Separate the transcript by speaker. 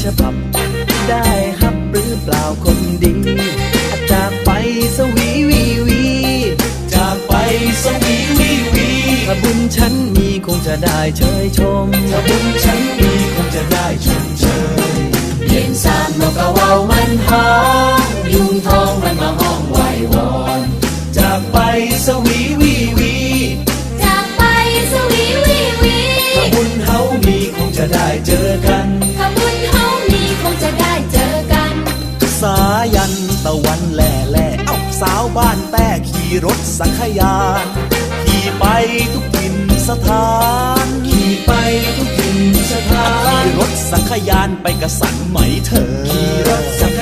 Speaker 1: ฉบับได้ฮับหรือเปล่าคนดีจากไปสวีวีวี
Speaker 2: จากไปสวีวีวี
Speaker 1: ถ้าบุญฉันมีคงจะได้เชยชม
Speaker 2: ถ้าบุญฉันมีคงจะได้ชมเชยเย็นสามนกกระเว่ามันหอนยุงทองมันมาห้องไหววอนจากไปสวีวีวี
Speaker 3: จากไปสวีวีวี
Speaker 2: ถ้าบุญเฮามีคงจะได้เจอกัน
Speaker 3: ถ้าบุญเฮามีคงจะได้เจอกัน
Speaker 1: สายันตะวันแล่แล่เอ้าสาวบ้านแต่ขี่รถสังขยานขี่ไปทุกถิ่นสถาน
Speaker 2: ขี่ไปทุกถิ่นสถาน
Speaker 1: ขี่รถสังขยานไปกระสันไหมเธอ
Speaker 2: ขี่รถสัง